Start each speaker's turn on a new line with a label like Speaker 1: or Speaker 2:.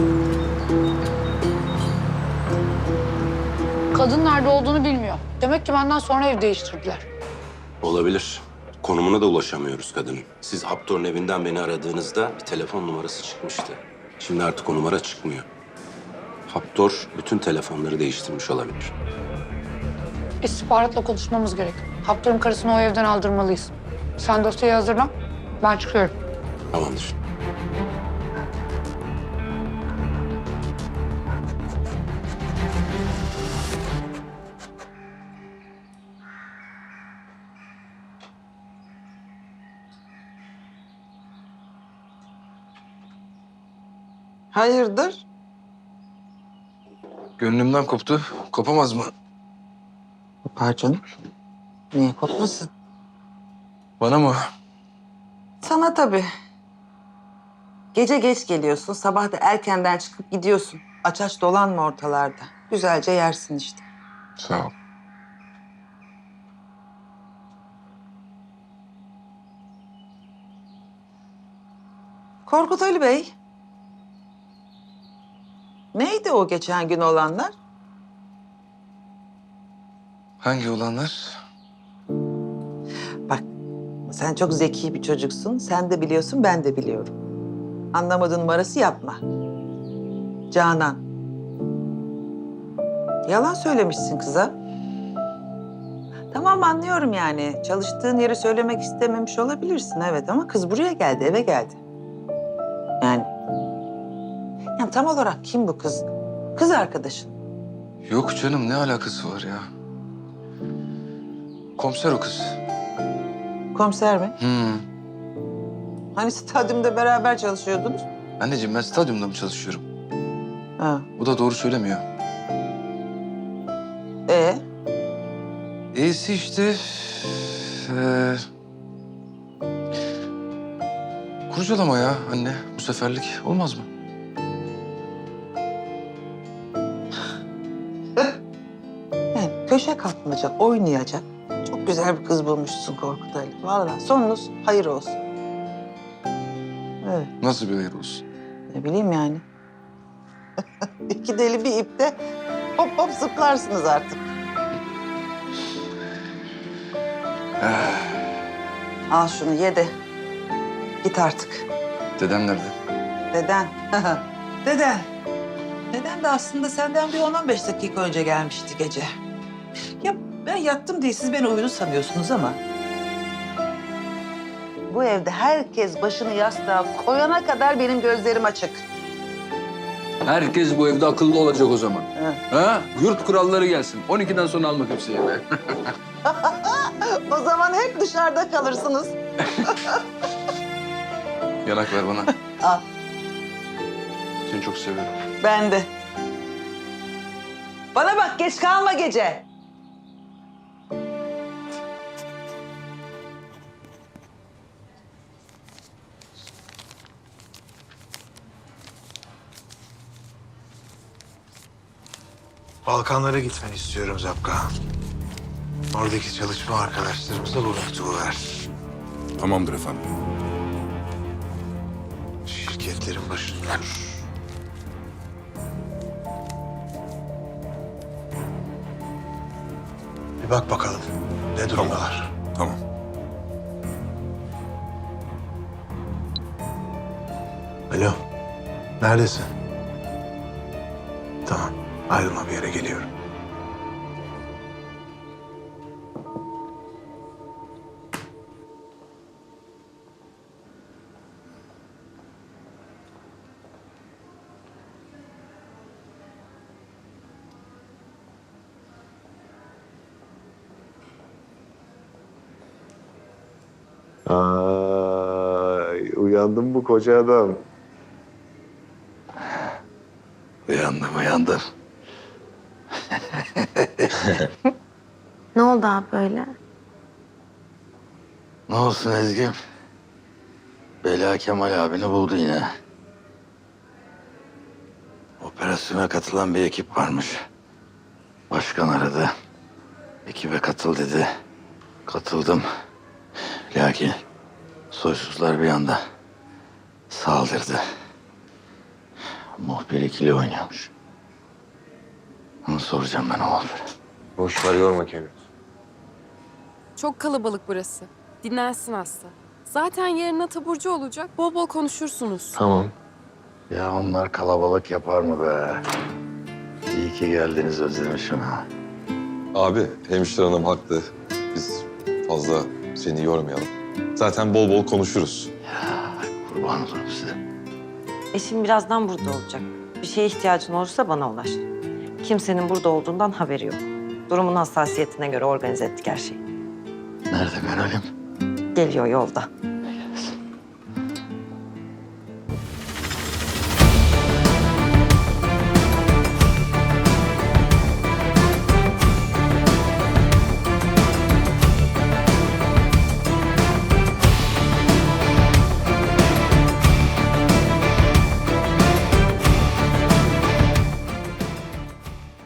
Speaker 1: Kadın nerede olduğunu bilmiyor. Demek ki benden sonra ev değiştirdiler.
Speaker 2: Olabilir. Konumuna da ulaşamıyoruz kadının. Siz Haptor'un evinden beni aradığınızda bir telefon numarası çıkmıştı. Şimdi artık o numara çıkmıyor. Haptor bütün telefonları değiştirmiş olabilir.
Speaker 1: İstihbaratla konuşmamız gerek. Haptor'un karısını o evden aldırmalıyız. Sen dosyayı hazırla. Ben çıkıyorum.
Speaker 2: Tamamdır.
Speaker 3: Hayırdır?
Speaker 4: Gönlümden koptu. Kopamaz mı?
Speaker 3: Kopar canım. Niye kopmasın?
Speaker 4: Bana mı?
Speaker 3: Sana tabii. Gece geç geliyorsun, sabah da erkenden çıkıp gidiyorsun. Aç aç dolanma ortalarda. Güzelce yersin işte.
Speaker 4: Sağ ol.
Speaker 3: Korkut Ali Bey. Neydi o geçen gün olanlar?
Speaker 4: Hangi olanlar?
Speaker 3: Bak, sen çok zeki bir çocuksun. Sen de biliyorsun, ben de biliyorum. Anlamadığın numarası yapma. Canan. Yalan söylemişsin kıza. Tamam anlıyorum yani. Çalıştığın yeri söylemek istememiş olabilirsin evet ama kız buraya geldi, eve geldi. Yani tam olarak kim bu kız? Kız arkadaşın.
Speaker 4: Yok canım, ne alakası var ya? Komiser o kız.
Speaker 3: Komiser mi?
Speaker 4: Hmm.
Speaker 3: Hani stadyumda beraber çalışıyordunuz?
Speaker 4: Anneciğim, ben stadyumda mı çalışıyorum?
Speaker 3: Ha.
Speaker 4: Bu da doğru söylemiyor.
Speaker 3: Ee?
Speaker 4: İyisi işte... Kurcalama ya anne. Bu seferlik olmaz mı?
Speaker 3: Yani köşe kapmaca oynayacak. Çok güzel bir kız bulmuşsun Korkut Ali. Vallahi sonunuz hayır olsun. Evet,
Speaker 4: Nasıl bir hayır olsun?
Speaker 3: ne bileyim yani. İki deli bir ipte hop hop zıplarsınız artık. Al şunu ye de git artık.
Speaker 4: Dedem nerede?
Speaker 3: Deden. Deden. Deden de aslında senden bir 10-15 dakika önce gelmişti gece. Ya ben yattım diye siz beni uyudu sanıyorsunuz ama... Bu evde herkes başını yastığa koyana kadar benim gözlerim açık.
Speaker 5: Herkes bu evde akıllı olacak o zaman.
Speaker 3: Hı.
Speaker 5: Ha? Yurt kuralları gelsin. 12'den sonra alma kimseyi eve.
Speaker 3: O zaman hep dışarıda kalırsınız.
Speaker 4: Yanak ver bana.
Speaker 3: Al,
Speaker 4: Seni çok seviyorum.
Speaker 3: ben de. Bana bak, geç kalma gece.
Speaker 6: Balkanlara gitmeni istiyorum Zapka. Oradaki çalışma arkadaşlarımıza bu mektubu ver.
Speaker 7: Tamamdır efendim.
Speaker 6: Şirketlerin başında dur. Bir bak bakalım ne durumdalar.
Speaker 7: Tamam.
Speaker 6: Alo, neredesin? Tamam, ayrılma bir yere geliyorum.
Speaker 8: Ay, uyandım bu koca adam.
Speaker 4: Uyandım.
Speaker 9: Ne oldu abi böyle?
Speaker 4: Ne olsun Ezgi'm? Bela Kemal abini buldu yine. Operasyona katılan bir ekip varmış. Başkan aradı. Ekibe katıl dedi. Katıldım. Lakin soysuzlar bir anda saldırdı. Muhbir ikili oynuyormuş. Onu soracağım ben o muhbire.
Speaker 8: Boş ver yorma kendini.
Speaker 9: Çok kalabalık burası. Dinlensin hasta. Zaten yarın taburcu olacak. Bol bol konuşursunuz.
Speaker 8: Tamam.
Speaker 4: Ya onlar kalabalık yapar mı be? İyi ki geldiniz, özlemişim ha.
Speaker 10: Abi, hemşire hanım haklı. Biz fazla seni yormayalım. Zaten bol bol konuşuruz.
Speaker 4: Kurban olurum size.
Speaker 11: Eşim birazdan burada olacak. Bir şeye ihtiyacın olursa bana ulaş. Kimsenin burada olduğundan haberi yok. Durumun hassasiyetine göre organize ettik her şeyi.
Speaker 4: Nerede görelim?
Speaker 11: Geliyor yolda.